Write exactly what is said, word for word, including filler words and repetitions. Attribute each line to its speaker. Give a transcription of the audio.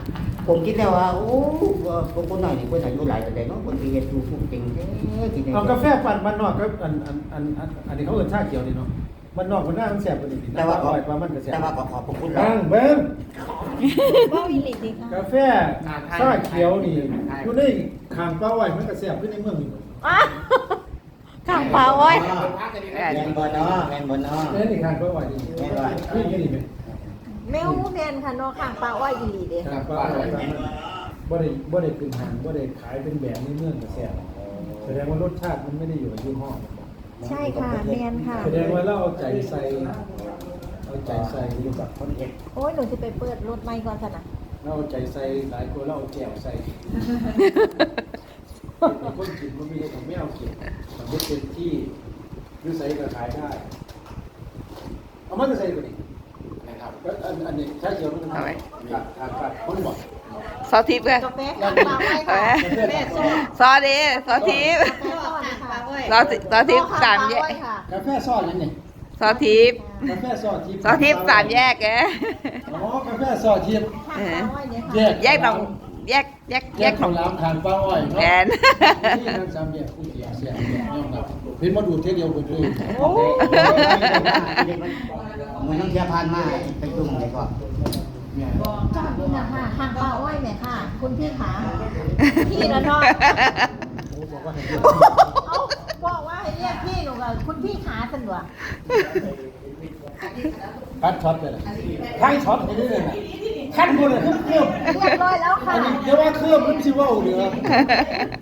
Speaker 1: ผมคิดแล้วว่าโอ้คนคนหน่อยนี่คนอายุหลายแต่เด็กเนาะคนที่เฮ็ดอยู่ทุกจริงแท้กินได้
Speaker 2: เอากาแฟปั่นบ้านนอกก็อันอันอันอันอันนี้เขาเอิ้นชาเขียวนี่เนาะบ้านนอกมันน่ามันแซ่บกว่านี้
Speaker 1: แต่ว่า
Speaker 2: อ
Speaker 1: ขอ
Speaker 2: ร่อยกว่ามันก็แซ่บ
Speaker 1: แต่ว่าขอขอบคุณ
Speaker 2: บ้างเบิ้ง
Speaker 3: ว่าวิลิตดีค่ะ
Speaker 2: กาแฟชาเขียวนี่อยู่ในข้างป้าไว้มันก็แซ่บขึ้นในเมืองนี่หมด
Speaker 3: อ้าวข้างปลาอ้อย
Speaker 1: แมนบอเนาะแมนบอเนาะ
Speaker 2: เอ้นี่ข้างป้าไว้นี่
Speaker 1: แม่นว่า
Speaker 2: ขึ้นนี่ไหม
Speaker 3: แมวแมนค่ะเนาะข้างปลาอ้อยวิลิตเด้
Speaker 2: ข้างป้าไว้มันบ่ได้บ่ได้ขึ้นห้างบ่ได้ขายเป็นแบบในเมืองก็แซ่บแสดงว่ารสชาติมันไม่ได้อยู่กับยี่ห้อมันนะ
Speaker 3: ใช่ค่ะแมนค่ะ
Speaker 2: แสดงว่าเราเอาใจใส่เอาใจใส่อยู่กับคนเอก
Speaker 3: โอ้ยหนูจะไปเปิดรถไมค์ก่อนสินะ
Speaker 2: เราเอาใจใส่หลายคนเราเอาแก้วใส่คนกินมันไม่ได้ของไม่เอากินมันไม่เป็นที่ยุใส่ก็ขายได้เอามันจะใส่ไปดินะครับแล้วอันอันนี้ใช้เขียวมันทำไมกัดกัดกัดคนบอก
Speaker 4: ซอสทิพย์กัน
Speaker 3: กาแฟข้างปลาอ้อยค่ะกาแฟส้ม
Speaker 4: ซอสดีซอสทิพย์
Speaker 3: กาแฟส้มค่ะ
Speaker 4: ซอสซอสทิพย์สามแยก
Speaker 3: ค่ะ
Speaker 2: กาแฟซอสนั่นนี่
Speaker 4: ซอสทิพย์
Speaker 2: กาแฟซอสทิพย์
Speaker 4: ซอสทิพย์สามแยกแก
Speaker 2: อ๋อกาแฟซอสทิพย์
Speaker 3: ข้างปลาอ้อยเนี่ย
Speaker 2: แย
Speaker 3: ค่ะ
Speaker 2: ก
Speaker 4: แยกหนองแยกแยก
Speaker 2: แย
Speaker 4: แย
Speaker 2: ก
Speaker 4: ก
Speaker 2: ของร้านทานป้าอ้อย
Speaker 4: แก
Speaker 2: เนาะ
Speaker 4: น
Speaker 2: นี่นั่นสามแยกผู้เสียเสียยอมรับเห็นมาดูเท่เดียวกันเลย
Speaker 3: โอ้
Speaker 1: เหมือนน้องเชียร์พานมาไปจุ่มเลยก็
Speaker 2: เนี่ย
Speaker 3: จอดนี่นะคะข้างปลาอ้อยเนี่ยค่ะ คุณพี่ขาพี่นะเนาะ
Speaker 2: โอ้บอกว่าให้เรียก
Speaker 3: เอ้าบอกว่าให้เรียกพี่หนูกับคุณพี่ขาสันวะ
Speaker 2: คัดช็อตเลยนะท้ายช็อตไปเรื่อยๆนะขั้นบนเลยเครื่อง
Speaker 3: เรียบร้อยแล้ว
Speaker 2: อั
Speaker 3: ค่ะ
Speaker 2: นนี้เดี๋ยวว่าเครื่องมันชิเว่าเหลือ